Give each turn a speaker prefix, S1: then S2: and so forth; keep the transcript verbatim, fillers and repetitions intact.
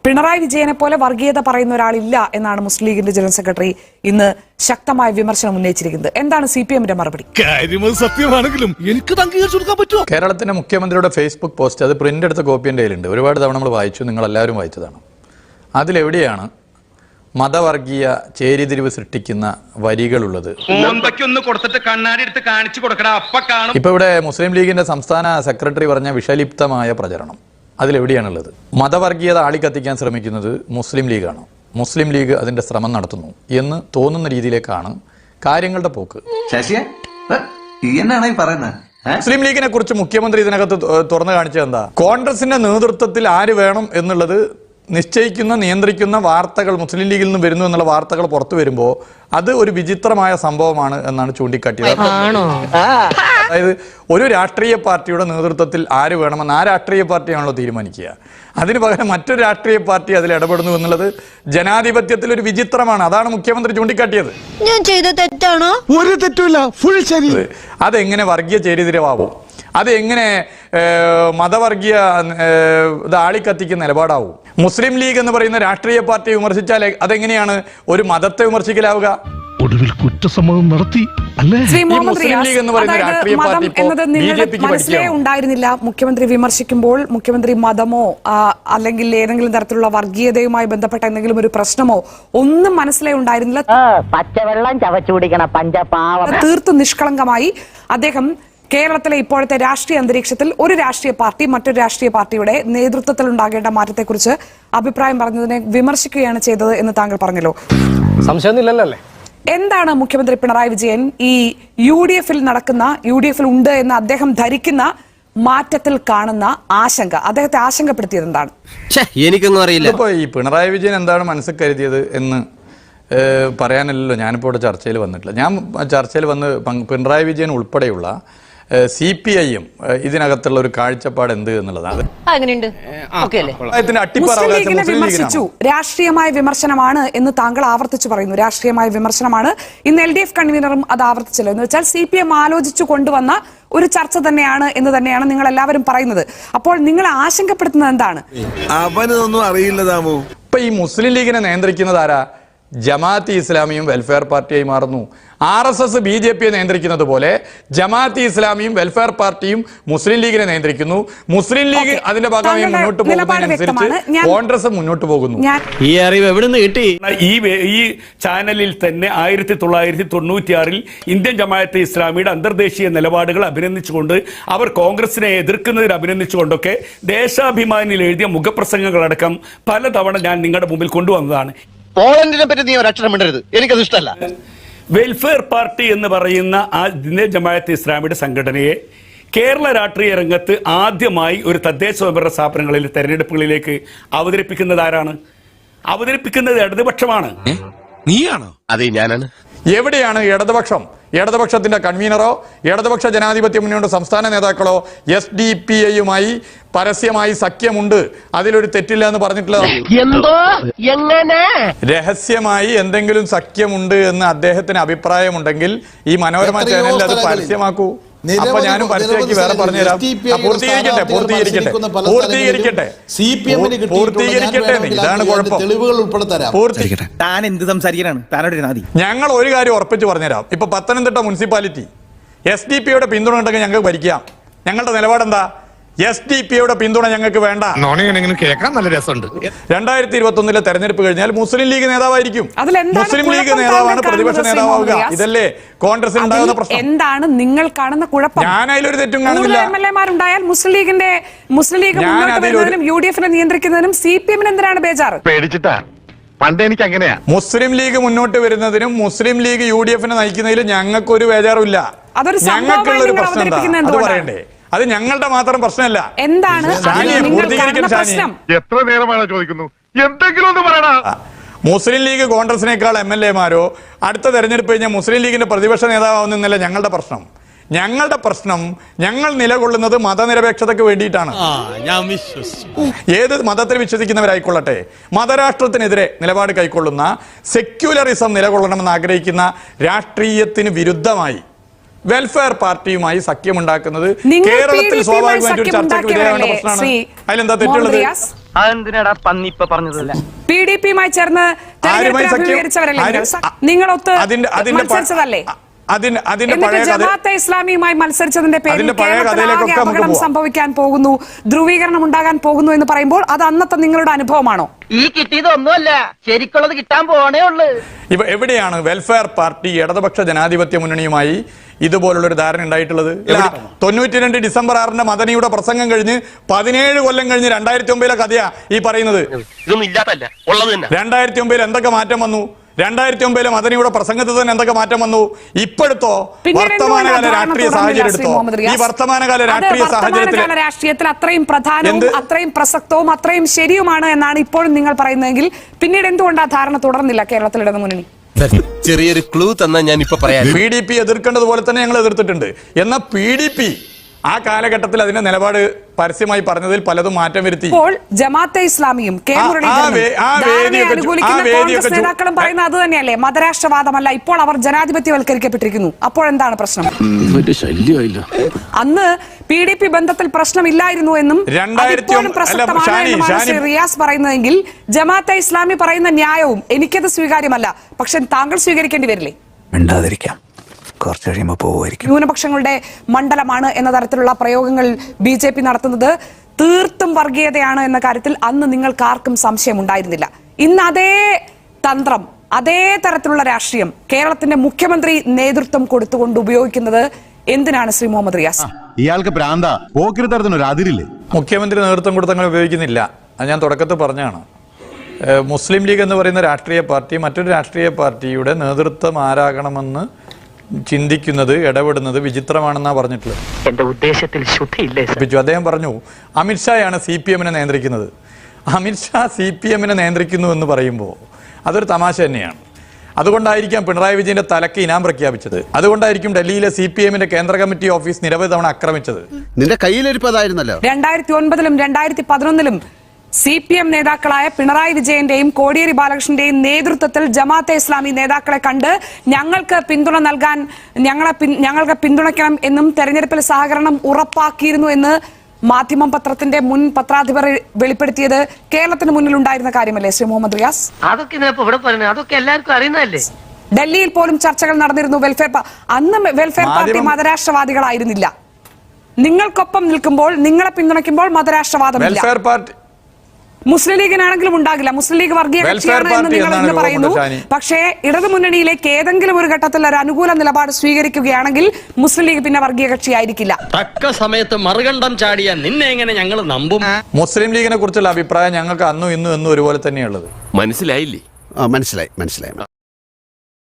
S1: പിണറായി വിജയനെ പോലെ വർഗീയത പറയുന്ന ഒരാളില്ല എന്നാണ് മുസ്ലിം ലീഗിന്റെ ജനറൽ സെക്രട്ടറി ഇന്ന് ശക്തമായ വിമർശനം ഉന്നയിച്ചിരിക്കുന്നത്. എന്താണ് സി പി എമ്മിന്റെ മറുപടി?
S2: സത്യമാണെങ്കിലും എനിക്ക് അംഗീകരിച്ചു കൊടുക്കാൻ പറ്റുമോ?
S3: കേരളത്തിന്റെ മുഖ്യമന്ത്രിയുടെ ഫേസ്ബുക്ക് പോസ്റ്റ്, അത് പ്രിന്റ് എടുത്ത കോപ്പി എൻ്റെ കയ്യിലുണ്ട്. ഒരുപാട് തവണ നമ്മൾ വായിച്ചു, നിങ്ങൾ എല്ലാവരും വായിച്ചതാണ്. അതിലെവിടെയാണ് മതവർഗീയ ചേരിതിരിവ് സൃഷ്ടിക്കുന്ന വരികളുള്ളത്? ഇപ്പൊ ഇവിടെ മുസ്ലിം ലീഗിന്റെ സംസ്ഥാന സെക്രട്ടറി പറഞ്ഞ വിഷലിപ്തമായ പ്രചരണം അതിലെവിടെയാണുള്ളത്? മതവർഗീയത ആളിക്കത്തിക്കാൻ ശ്രമിക്കുന്നത് മുസ്ലിം ലീഗാണ്, മുസ്ലിം ലീഗ് അതിന്റെ ശ്രമം നടത്തുന്നു എന്ന് തോന്നുന്ന രീതിയിലേക്കാണ് കാര്യങ്ങളുടെ പോക്ക്. മുസ്ലിം ലീഗിനെ കുറിച്ച് മുഖ്യമന്ത്രി ഇതിനകത്ത് തുറന്നു കാണിച്ചത് എന്താ? കോൺഗ്രസിന്റെ നേതൃത്വത്തിൽ ആര് വേണം എന്നുള്ളത് നിശ്ചയിക്കുന്ന നിയന്ത്രിക്കുന്ന വാർത്തകൾ മുസ്ലിം ലീഗിൽ നിന്ന് വരുന്നു എന്നുള്ള വാർത്തകൾ പുറത്തു വരുമ്പോൾ അത് ഒരു വിചിത്രമായ സംഭവമാണ് എന്നാണ് ചൂണ്ടിക്കാട്ടിയത്. അതായത് ഒരു രാഷ്ട്രീയ പാർട്ടിയുടെ നേതൃത്വത്തിൽ ആര് വേണമെന്ന് ആ രാഷ്ട്രീയ പാർട്ടിയാണല്ലോ തീരുമാനിക്കുക. അതിന് പകരം മറ്റൊരു രാഷ്ട്രീയ പാർട്ടി അതിൽ ഇടപെടുന്നു എന്നുള്ളത് ജനാധിപത്യത്തിൽ ഒരു വിചിത്രമാണ്. അതാണ് മുഖ്യമന്ത്രി ചൂണ്ടിക്കാട്ടിയത്.
S4: ഞാൻ ചെയ്ത തെറ്റാണോ?
S2: ഒരു തെറ്റുമില്ല, ഫുൾ ശരി.
S3: അതെങ്ങനെ വർഗീയ ചേരിതിരിവാകും? അത് എങ്ങനെ മതവർഗീയ ഇത് ആളിക്കത്തിക്കുന്ന നിലപാടാവും? മുസ്ലിം ലീഗ് എന്ന് പറയുന്ന രാഷ്ട്രീയ പാർട്ടി വിമർശിച്ചാൽ അതെങ്ങനെയാണ് ഒരു മതത്തെ വിമർശിക്കലാവുക?
S2: ഒടുവിൽ കുറ്റസമ്മതം നടത്തി അല്ലേ?
S3: മുസ്ലിം ലീഗ് എന്ന് പറയുന്ന രാഷ്ട്രീയ പാർട്ടി
S1: മനസ്സിലേ ഉണ്ടായിരുന്നില്ല. മുഖ്യമന്ത്രി വിമർശിക്കുമ്പോൾ മുഖ്യമന്ത്രി മതമോ അല്ലെങ്കിൽ ഏതെങ്കിലും തരത്തിലുള്ള വർഗീയതയുമായി ബന്ധപ്പെട്ട എന്തെങ്കിലും ഒരു പ്രശ്നമോ ഒന്നും മനസ്സിലേ ഉണ്ടായിരുന്നില്ല.
S5: പച്ചവെള്ളം ചവച്ചു കുടിക്കണ പഞ്ചപാവം.
S1: തീർത്തും നിഷ്കളങ്കമായി അദ്ദേഹം കേരളത്തിലെ ഇപ്പോഴത്തെ രാഷ്ട്രീയ അന്തരീക്ഷത്തിൽ ഒരു രാഷ്ട്രീയ പാർട്ടി മറ്റൊരു രാഷ്ട്രീയ പാർട്ടിയുടെ നേതൃത്വത്തിൽ ഉണ്ടാകേണ്ട മാറ്റത്തെക്കുറിച്ച് അഭിപ്രായം പറഞ്ഞതിനെ വിമർശിക്കുകയാണ് ചെയ്തത് എന്ന് താങ്കൾ പറഞ്ഞല്ലോ.
S6: സംശയമൊന്നുമില്ലല്ലോ.
S1: എന്താണ് മുഖ്യമന്ത്രി പിണറായി വിജയൻ ഈ യു ഡി എഫിൽ നടക്കുന്ന യു ഡി എഫിൽ ഉണ്ട് എന്ന് അദ്ദേഹം ധരിക്കുന്ന മാറ്റത്തിൽ കാണുന്ന ആശങ്ക, അദ്ദേഹത്തെ ആശങ്കപ്പെടുത്തിയത് എന്താണ്?
S6: എനിക്കൊന്നും അറിയില്ല.
S3: ഇപ്പൊ ഈ പിണറായി വിജയൻ എന്താണ് മനസ്സിൽ കരുതിയത് എന്ന് പറയാനല്ലോ ഞാനിപ്പോൾ ഇവിടെ ചർച്ചയിൽ വന്നിട്ടില്ല. ഞാൻ ചർച്ചയിൽ വന്ന് പിണറായി വിജയൻ ഉൾപ്പെടെയുള്ള സി പി ഐ എം ഇതിനകത്തുള്ള ഒരു കാഴ്ചപ്പാട് എന്ത് എന്നുള്ളതാണ്.
S1: വിമർശിച്ചു, രാഷ്ട്രീയമായ വിമർശനമാണ് എന്ന് താങ്കൾ ആവർത്തിച്ചു പറയുന്നു. രാഷ്ട്രീയമായ വിമർശനമാണ്. ഇന്ന് എൽ ഡി എഫ് കൺവീനറും അത് ആവർത്തിച്ചല്ലോ. എന്ന് വെച്ചാൽ സി പി എം ആലോചിച്ചു കൊണ്ടുവന്ന ഒരു ചർച്ച തന്നെയാണ് എന്ന് തന്നെയാണ് നിങ്ങൾ എല്ലാവരും പറയുന്നത്. അപ്പോൾ നിങ്ങൾ ആശങ്കപ്പെടുത്തുന്നത് എന്താണ്?
S2: അവനൊന്നും അറിയില്ലതാമോ.
S3: ഇപ്പൊ ഈ മുസ്ലിം ലീഗിനെ നിയന്ത്രിക്കുന്നത് ആരാ? ജമാഅത്ത് ഇസ്ലാമിയും വെൽഫെയർ പാർട്ടിയായി മാറുന്നു. R S S B J പിയെ നിയന്ത്രിക്കുന്നത് പോലെ ജമാഅത്ത് ഇസ്ലാമിയും വെൽഫെയർ പാർട്ടിയും മുസ്ലിം ലീഗിനെ നിയന്ത്രിക്കുന്നു. മുസ്ലിം ലീഗ് അതിന്റെ ഭാഗമായി മുന്നോട്ട് പോകുന്നതിനനുസരിച്ച് കോൺഗ്രസ് മുന്നോട്ട് പോകുന്നു.
S6: ഈ അറിവ് എവിടെ നിന്ന് കിട്ടി?
S7: ഈ ഈ ചാനലിൽ തന്നെ ആയിരത്തി തൊള്ളായിരത്തി തൊണ്ണൂറ്റി ആറിൽ ഇന്ത്യൻ ജമാഅത്തെ ഇസ്ലാമിയുടെ അന്തർദേശീയ നിലപാടുകൾ അഭിനന്ദിച്ചുകൊണ്ട് അവർ കോൺഗ്രസിനെ എതിർക്കുന്നതിൽ അഭിനന്ദിച്ചുകൊണ്ടൊക്കെ ദേശാഭിമാനിയിൽ എഴുതിയ മുഖപ്രസംഗങ്ങളടക്കം പലതവണ ഞാൻ നിങ്ങളുടെ മുമ്പിൽ കൊണ്ടുവന്നതാണ്.
S6: പോളണ്ടിനെ പറ്റി നീ ഒരക്ഷരം മിണ്ടരുത്, എനിക്കത് ഇഷ്ടമല്ല.
S7: വെൽഫെയർ പാർട്ടി എന്ന് പറയുന്ന ആ ഇന്ത്യൻ ജമാഅത്തെ ഇസ്ലാമിയുടെ സംഘടനയെ കേരള രാഷ്ട്രീയ രംഗത്ത് ആദ്യമായി ഒരു തദ്ദേശ സ്വയംഭരണ സ്ഥാപനങ്ങളിൽ തെരഞ്ഞെടുപ്പുകളിലേക്ക് അവതരിപ്പിക്കുന്നത് ആരാണ്? അവതരിപ്പിക്കുന്നത് ഇടതുപക്ഷമാണ്.
S2: നീയാണോ?
S6: അതെ, ഞാനാണ്.
S3: എവിടെയാണ് ഇടതുപക്ഷം? ഇടതുപക്ഷത്തിന്റെ കൺവീനറോ ഇടതുപക്ഷ ജനാധിപത്യ മുന്നണിയുടെ സംസ്ഥാന നേതാക്കളോ എസ് ഡി പി ഐയുമായി പരസ്യമായി സഖ്യമുണ്ട്, അതിലൊരു തെറ്റില്ല എന്ന് പറഞ്ഞിട്ടുള്ള രഹസ്യമായി എന്തെങ്കിലും സഖ്യമുണ്ട് എന്ന് അദ്ദേഹത്തിന് അഭിപ്രായമുണ്ടെങ്കിൽ ഈ മനോരമ ചാനലിൽ അത് പരസ്യമാക്കൂ. അപ്പൊ ഞാനും പരസ്യമാക്കി വേറെ പറഞ്ഞുതരാം. പൂർത്തീകരിക്കട്ടെ പൂർത്തീകരിക്കട്ടെ പൂർത്തീകരിക്കട്ടെ പൂർത്തീകരിക്കട്ടെ ഇതാണ് കുഴപ്പം.
S8: താൻ എന്ത് സംസാരിക്കാനാണ്?
S3: ഞങ്ങൾ ഒരു കാര്യം ഉറപ്പിച്ച് പറഞ്ഞുതരാം. ഇപ്പൊ പത്തനംതിട്ട മുനിസിപ്പാലിറ്റി എസ് ഡി പിയുടെ പിന്തുണ ഉണ്ടെങ്കിൽ ഞങ്ങൾക്ക് ഭരിക്കാം. ഞങ്ങളുടെ നിലപാടെന്താ? എസ് ഡി പിയുടെ പിന്തുണ ഞങ്ങൾക്ക് വേണ്ട.
S2: കേൾക്കാൻ നല്ല രസമുണ്ട്.
S3: രണ്ടായിരത്തി ഇരുപത്തി ഒന്നിലെ തെരഞ്ഞെടുപ്പ് കഴിഞ്ഞാൽ മുസ്ലിം ലീഗ് നേതാവായിരിക്കും. മുസ്ലിം ലീഗ് നേതാവാണ് പ്രതിപക്ഷ നേതാവാവുക. ഇതല്ലേ കോൺഗ്രസിന് ഉണ്ടാകുന്ന പ്രശ്നം?
S1: എന്താണ് നിങ്ങൾ കാണുന്ന കുഴപ്പം?
S3: ഞാൻ അതിലൊരു തെറ്റും കാണുന്നില്ല.
S1: എം എൽ എമാരുണ്ടായാൽ മുസ്ലിം ലീഗിന്റെ മുസ്ലിം ലീഗ് മുന്നോട്ട് വരുന്നതിനും യു ഡി എഫിനെ നിയന്ത്രിക്കുന്നതിനും സി പി എമ്മിന് എന്തിനാണ് ബേജാറ്?
S2: പേടിച്ചിട്ടാ. പണ്ട് എനിക്ക് അങ്ങനെയാ.
S3: മുസ്ലിം ലീഗ് മുന്നോട്ട് വരുന്നതിനും മുസ്ലിം ലീഗ് യു ഡി എഫിനെ നയിക്കുന്നതിലും ഞങ്ങൾക്കൊരു ബേജാറുമില്ല. ഞങ്ങൾക്കുള്ള ഒരു പ്രശ്നം എന്താ അത് പറയണ്ടേ? അത് ഞങ്ങളുടെ മാത്രം പ്രശ്നമല്ല.
S1: എന്താണ് പ്രശ്നം?
S2: എത്ര നേരമാണ് ചോദിക്കുന്നു? എന്തെങ്കിലും ഒന്ന് പറയണ.
S3: മുസ്ലിം ലീഗ് കോൺഗ്രസിനേക്കാൾ എം എൽ എമാരോ അടുത്ത തെരഞ്ഞെടുപ്പ് കഴിഞ്ഞാൽ മുസ്ലിം ലീഗിന്റെ പ്രതിപക്ഷ നേതാവാവുന്നല്ല ഞങ്ങളുടെ പ്രശ്നം. ഞങ്ങളുടെ പ്രശ്നം ഞങ്ങൾ നിലകൊള്ളുന്നത് മതനിരപേക്ഷതയ്ക്ക് വേണ്ടിയിട്ടാണ്. ഏത് മതത്തിൽ വിശ്വസിക്കുന്നവരായിക്കൊള്ളട്ടെ, മതരാഷ്ട്രത്തിനെതിരെ നിലപാട് കൈക്കൊള്ളുന്ന സെക്യുലറിസം നിലകൊള്ളണമെന്ന് ആഗ്രഹിക്കുന്ന രാഷ്ട്രീയത്തിന് വിരുദ്ധമായി വെൽഫെയർ പാർട്ടിയുമായി സഖ്യമുണ്ടാക്കുന്നത് കേരളത്തിൽ സ്വാഭാവികമായിട്ട് ഒരു ചർച്ചയ്ക്ക് വിധേയമാകുന്ന പ്രശ്നമാണ്. അതിലെന്താ തെറ്റുള്ളത്?
S6: അതെന്തിനാടാ പന്നി ഇപ്പൊ പറഞ്ഞതല്ല
S1: പി ഡി പിയുമായി ചേർന്ന്
S3: ആരുമായി സഖ്യം?
S1: അഭിമുഖീകരിച്ചവരല്ലേ
S3: ആര്?
S1: നിങ്ങൾ? സ- നിങ്ങളൊത്ത്
S3: അതിന്റെ അതിന്റെ പ-
S1: മത്സരിച്ചതല്ലേ?
S3: അതിന്റെ അതിന്റെ
S1: എന്നിട്ട്
S3: പഴയ കഥ
S1: ജമാഅത്തെ ഇസ്ലാമിയുമായി മത്സരിച്ചതിന്റെ പേരിൽ
S3: അതിന്റെ പഴയ
S1: കേരളത്തിൽ
S3: കഥയിലേക്കൊക്കെ
S1: ആകെ
S3: നമുക്ക്
S1: അപകടം
S3: പോവാം.
S1: സംഭവിക്കാൻ പോകുന്നു, ധ്രുവീകരണം ഉണ്ടാകാൻ പോകുന്നു എന്ന് പറയുമ്പോൾ അത് അന്നത്തെ നിങ്ങളുടെ അനുഭവമാണോ?
S5: ഈ കിട്ടിയതൊന്നുമല്ല, ശരിക്കുള്ളത് കിട്ടാൻ പോണേ ഉള്ളു.
S3: ഇവ എവിടെയാണ് വെൽഫെയർ പാർട്ടി ഇടതുപക്ഷ ജനാധിപത്യ മുന്നണിയുമായി ഇതുപോലുള്ള ഒരു ധാരണ ഉണ്ടായിട്ടുള്ളത്? തൊണ്ണൂറ്റി രണ്ട് ഡിസംബർ ആറിന്റെ മദനിയുടെ പ്രസംഗം കഴിഞ്ഞ് പതിനേഴ് കൊല്ലം കഴിഞ്ഞ് രണ്ടായിരത്തി ഒമ്പതിലെ കഥയാ ഈ പറയുന്നത്.
S6: ഇതൊന്നും ഇല്ലാത്തല്ല ഉള്ളത് തന്നെ.
S3: രണ്ടായിരത്തി ഒമ്പതിൽ എന്തൊക്കെ മാറ്റം വന്നു? രണ്ടായിരത്തി ഒമ്പതിലെ മദനിയുടെ പ്രസംഗത്തിൽ തന്നെ എന്തൊക്കെ മാറ്റം വന്നു? ഇപ്പോഴത്തോ വർത്തമാനകാല രാഷ്ട്രീയ സാഹചര്യം എടുത്തോ? ഈ വർത്തമാനകാല രാഷ്ട്രീയ സാഹചര്യത്തിൽ
S1: രാഷ്ട്രീയത്തിൽ അത്രയും പ്രധാനവും അത്രയും പ്രസക്തവും അത്രയും ശരിയുമാണ് എന്നാണ് ഇപ്പോഴും നിങ്ങൾ പറയുന്നതെങ്കിൽ പിന്നീട് എന്തുകൊണ്ട് ആ ധാരണ തുടർന്നില്ല കേരളത്തിൽ ഇടതു മുന്നണി?
S6: ചെറിയൊരു ക്ലൂ തന്നാ ഞാൻ ഇപ്പൊ പറയാം.
S3: പി ഡി പി എതിർക്കേണ്ടതുപോലെ തന്നെ ഞങ്ങൾ എതിർത്തിട്ടുണ്ട്. എന്നാൽ പി ഡി പി ആ കാലഘട്ടത്തിൽ അതിന്റെ നിലപാട് പരസ്യമായി പറഞ്ഞതിൽ പലതും മാറ്റം വരുത്തി.
S1: ഇപ്പോൾ ജമാഅത്തെ ഇസ്ലാമിയും കെ മുരളീധരനും ധാരണയെ അനുകൂലിക്കുന്ന കോൺഗ്രസ് നേതാക്കളും പറയുന്ന അത് തന്നെയല്ലേ, മതരാഷ്ട്രവാദമല്ല, ഇപ്പോൾ അവർ ജനാധിപത്യവൽക്കരിക്കപ്പെട്ടിരിക്കുന്നു. അപ്പോഴെന്താണ് പ്രശ്നം? അന്ന് പി ഡി പി ബന്ധത്തിൽ പ്രശ്നമില്ലായിരുന്നു എന്നും അതിപ്പോഴും പ്രസക്തമാണ് എന്നുമാണ് ശ്രീ റിയാസ് പറയുന്നതെങ്കിൽ ജമാഅത്തെ ഇസ്ലാമി പറയുന്ന ന്യായവും എനിക്കത് സ്വീകാര്യമല്ല, പക്ഷെ താങ്കൾ സ്വീകരിക്കേണ്ടി വരില്ലേ?
S4: മിണ്ടാതിരിക്കാം, കുറച്ച് കഴിയുമ്പോൾ പോവുമായിരിക്കും.
S1: ന്യൂനപക്ഷങ്ങളുടെ മണ്ഡലമാണ് എന്ന തരത്തിലുള്ള പ്രയോഗങ്ങൾ ബി ജെ പി നടത്തുന്നത് തീർത്തും വർഗീയതയാണ് എന്ന കാര്യത്തിൽ അന്ന് നിങ്ങൾക്ക് ആർക്കും സംശയം ഉണ്ടായിരുന്നില്ല. ഇന്ന് അതേ തന്ത്രം, അതേ തരത്തിലുള്ള രാഷ്ട്രീയം കേരളത്തിന്റെ മുഖ്യമന്ത്രി നേതൃത്വം കൊടുത്തുകൊണ്ട് ഉപയോഗിക്കുന്നത് എന്തിനാണ് ശ്രീ മുഹമ്മദ് റിയാസ്?
S9: ഇയാൾക്ക് ഭ്രാന്ത, പോക്കിരിത്തരത്തിനൊരു അതിരില്ലേ?
S3: മുഖ്യമന്ത്രി നേതൃത്വം കൊടുത്ത് അങ്ങനെ ഉപയോഗിക്കുന്നില്ല. അത് ഞാൻ തുടക്കത്തിൽ പറഞ്ഞാണ്. മുസ്ലിം ലീഗ് എന്ന് പറയുന്ന രാഷ്ട്രീയ പാർട്ടി മറ്റൊരു രാഷ്ട്രീയ പാർട്ടിയുടെ നേതൃത്വം ആരാകണമെന്ന് ചിന്തിക്കുന്നത്, ഇടപെടുന്നത് വിചിത്രമാണെന്നാണ് പറഞ്ഞിട്ടുള്ളത്.
S5: എന്റെ ഉദ്ദേശത്തിൽ ശുദ്ധിയില്ലേ?
S3: അദ്ദേഹം പറഞ്ഞു അമിത്ഷായാണ് സി പി എമ്മിനെ നിയന്ത്രിക്കുന്നത്. അമിത്ഷാ സി പി എമ്മിനെ നിയന്ത്രിക്കുന്നു എന്ന് പറയുമ്പോൾ അതൊരു തമാശ തന്നെയാണ്. അതുകൊണ്ടായിരിക്കാം പിണറായി വിജയന്റെ തലക്ക് ഇനാം പ്രഖ്യാപിച്ചത്. അതുകൊണ്ടായിരിക്കും ഡൽഹിയിലെ സി പി എമ്മിന്റെ കേന്ദ്ര കമ്മിറ്റി ഓഫീസ് നിരവധി തവണ ആക്രമിച്ചത്.
S9: നിന്റെ കയ്യിലിരിപ്പതായിരുന്നല്ലോ.
S1: രണ്ടായിരത്തി ഒൻപതിലും രണ്ടായിരത്തി പതിനൊന്നിലും സി പി എം നേതാക്കളായ പിണറായി വിജയന്റെയും കോടിയേരി ബാലകൃഷ്ണന്റെയും നേതൃത്വത്തിൽ ജമാഅത്തെ ഇസ്ലാമി നേതാക്കളെ കണ്ട് ഞങ്ങൾക്ക് പിന്തുണ നൽകാൻ, ഞങ്ങളെ ഞങ്ങൾക്ക് പിന്തുണയ്ക്കണം എന്നും തെരഞ്ഞെടുപ്പിൽ സഹകരണം ഉറപ്പാക്കിയിരുന്നു എന്ന് മാധ്യമം പത്രത്തിന്റെ മുൻ പത്രാധിപർ വെളിപ്പെടുത്തിയത് കേരളത്തിന് മുന്നിൽ ഉണ്ടായിരുന്ന കാര്യമല്ലേ ശ്രീ മുഹമ്മദ് റിയാസ്?
S5: അതൊക്കെ ഇവിടെ പറയുന്നത് അതൊക്കെ എല്ലാവർക്കും അറിയുന്നതല്ലേ.
S1: ഡൽഹിയിൽ പോലും ചർച്ചകൾ നടന്നിരുന്നു. വെൽഫെയർ അന്ന് വെൽഫെയർ പാർട്ടി മതരാഷ്ട്രവാദികളായിരുന്നില്ല. നിങ്ങൾക്കൊപ്പം നിൽക്കുമ്പോൾ, നിങ്ങളെ പിന്തുണയ്ക്കുമ്പോൾ മതരാഷ്ട്രവാദമില്ല.
S3: വെൽഫെയർ പാർട്ടി
S1: മുസ്ലിം ലീഗിനാണെങ്കിലും ഉണ്ടാകില്ല. മുസ്ലിം ലീഗ് വർഗീയ കക്ഷിയാണ് എന്ന് നിങ്ങൾ ഇന്ന് പറയുന്നു. പക്ഷേ ഇടതു മുന്നണിയിലേക്ക് ഏതെങ്കിലും ഒരു ഘട്ടത്തിൽ ഒരു അനുകൂല നിലപാട് സ്വീകരിക്കുകയാണെങ്കിൽ മുസ്ലിം ലീഗ് പിന്നെ വർഗീയ കക്ഷിയായിരിക്കില്ല.
S6: തക്ക സമയത്ത് മറുകണ്ഠം ചാടിയ നിന്നെ എങ്ങനെ ഞങ്ങൾ നമ്പും?
S3: മുസ്ലിം ലീഗിനെ കുറിച്ചുള്ള അഭിപ്രായം ഞങ്ങൾക്ക് അന്നും ഇന്നും എന്നും ഒരുപോലെ തന്നെയുള്ളത്.
S6: മനസ്സിലായില്ലേ?
S9: മനസ്സിലായി മനസ്സിലായി